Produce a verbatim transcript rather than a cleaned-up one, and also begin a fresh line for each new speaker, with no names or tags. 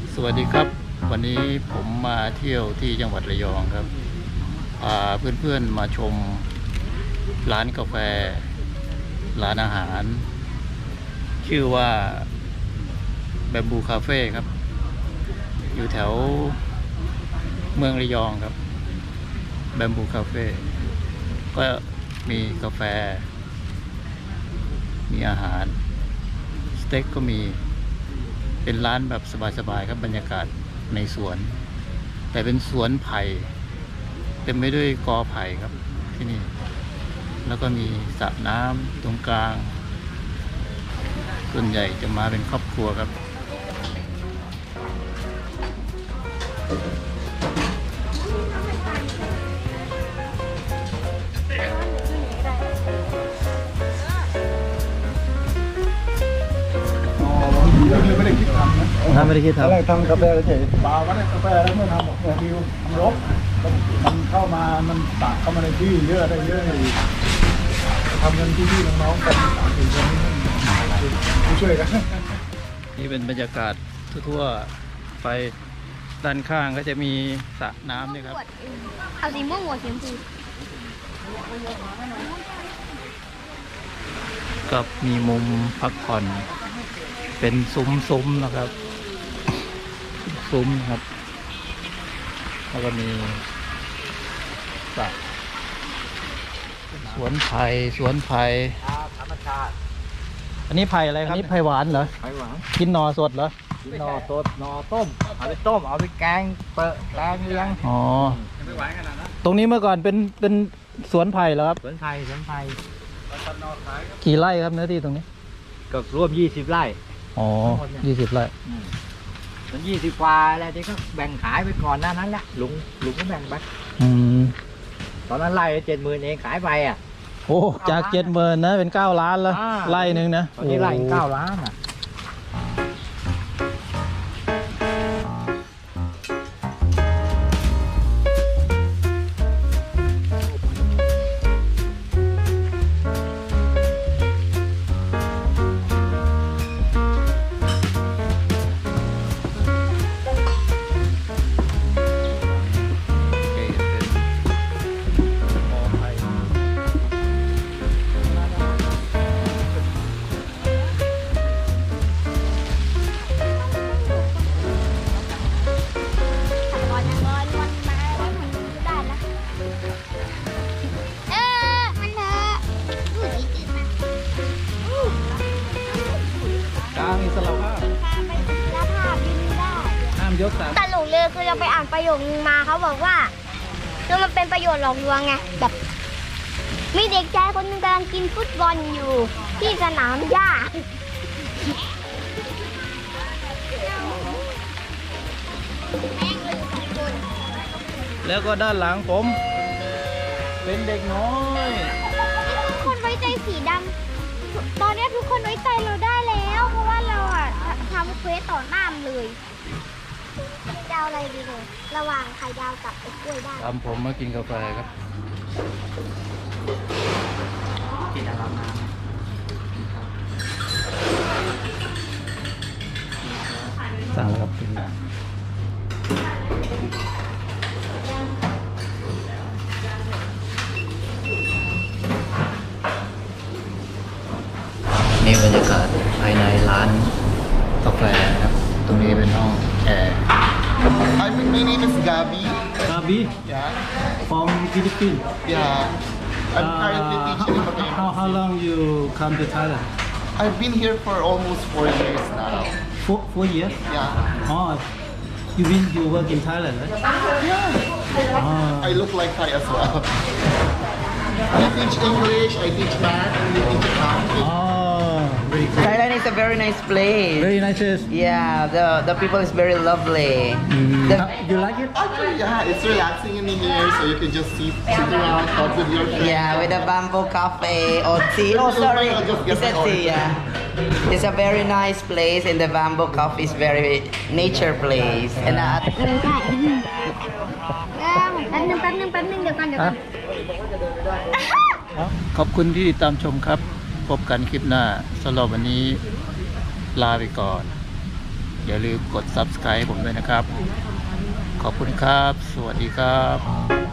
สวัสดีครับวันนี้ผมมาเที่ยวที่จังหวัดระยองครับพาเพื่อนๆมาชมร้านกาแฟร้านอาหารชื่อว่าแบมบูคาเฟ่ครับอยู่แถวเมืองระยองครับแบมบูคาเฟ่ก็มีกาแฟมีอาหารสเต็กก็มีเป็นร้านแบบสบายๆครับบรรยากาศในสวนแต่เป็นสวนไผ่เต็มไปด้วยกอไผ่ครับที่นี่แล้วก็มีสระน้ำตรงกลางส่วนใหญ่จะมาเป็นครอบครัวครับ
ไม่ได้คิดทำนะ
ถ้าไม่ได้คิด
ตอนแรก
ทำ
ทำกาแฟเฉยเปล่าก็ได้กาแฟแล้วเมื่อทำบอกเนี่ยดิวทำรบมันเข้ามามันตักเข้ามาในที่เยอะได้เยอะเลยทำเงินที่พี่น้องๆกันสามสี่คนนี่ช่วยกัน
นี่เป็นบรรยากาศทั่วๆไปด้านข้างก็จะมีสระน้ำนี่ครับ
เอาสีม่วงหัวสีชมพู
กับมีมุมพักผ่อนเป็นซุ้มๆนะครับซุ้มครับแล้วก็มีสระสวนไผ่สวนไผ่
ธรรมชาติ
อันนี้ไผ่อะไรครับอันนี้ไผ่หวานเหรอ
ไผ่หวาน
กินหน่อสดเหรอ
หน่อสดหน่อต้มเอาไปต้มเอาไปแกงเปิดแกงเลี้ยง
อ๋อตรงนี้เมื่อก่อนเป็นเป็นสวนไผ่เหรอครับ
สวนไผ่สวนไผ่
กี่ไร่ครับเนื้อที่ตรงนี้
ก็ร่วมยี่สิบไร่
อ๋อยี่สิบไร่
มันยี่สิบกว่าแล้วที่ก็แบ่งขายไปก่อนหน้านั้นแหละลุงลุงก็แบ่งไป
อืม
ตอนนั้นไล่เจ็ดหมื่นเองขายไปอ่ะ
โอ้จากเจ็ดหมื่นนะเป็นเก้าล้านแล้ว
อ่า
ไร่หนึ่งนะ
ตอนนี้ไล่
โอ้
เก้าล้านอ่ะ
โอเคเป็นกอไผ่
ก่อนก่อนมันมาแล้วมันก็ได้นะเออมันเถอะดูดีจริงนะ
กลางอิสระภาพ
พาไปแล้วพาบินได้
ห้ามยกสาม
ตลกเลยคือเราไปอ่านประโยคนึงมาเขาบอกว่าคือมันเป็นประโยชน์หลอกลวงไงแบบมีเด็กชายคนหนึงกำลังกินฟุตบอลอยู่ที่สนามหญ้า
แล้วก็ด้านหลังผม เป็นเด็กน้อย
ทุกคนไว้ใจสีดำตอนนี้ทุกคนไว้ใจเราได้แล้ว เพราะว่าเราอ่ะทำเควสต่อหน้ามันเลยจะเอาอะไรดีเลยระหว่างไข่ดาวกับไอ้กล้วยได้
ตามผมมากินกาแฟครับ
กินอะไรมา
สั่งแล้วครับนี่บรรยากาศภายในร้านกาแฟนะครับ ตรงนี้เป็นห้องแอร์
Hi, my name is Gabi.
Gabi
Yeah,
from Philippines.
yeah. I'm currently teaching in Baguio.
how how long you come to Thailand?
I've been here for almost four years now.
Four four years.
Yeah.
Oh, you mean you work in Thailand, right?
Yeah.
Oh.
I look like Thai as well. I teach English, I teach math, and I teach accounting.
Oh, very good.
Thailand is a very nice place.
Very nice. Yes.
Yeah, the the people is very lovely. The,
You like it?
Actually, yeah, it's relaxing in here, so you can just sit, sit around, talk with your friends.
yeah, with a bamboo cafe or tea. Oh, sorry,
I'll just get
it's a
my
tea.
order.
Yeah, it's a very nice place, and the bamboo cafe is very nature place. And uh,
เออใช่แป๊บนึงแป๊บนึงแป๊บนึงเดี๋ยวก่อนเดี๋ยวก่อน
ขอบคุณที่ติดตามชมครับ พบกันคลิปหน้าสำหรับวันนี้ลาไปก่อน สอย่าลืมกด ซับสไครบ์ ผมด้วยนะครับ ขอบคุณครับ สวัสดีครับ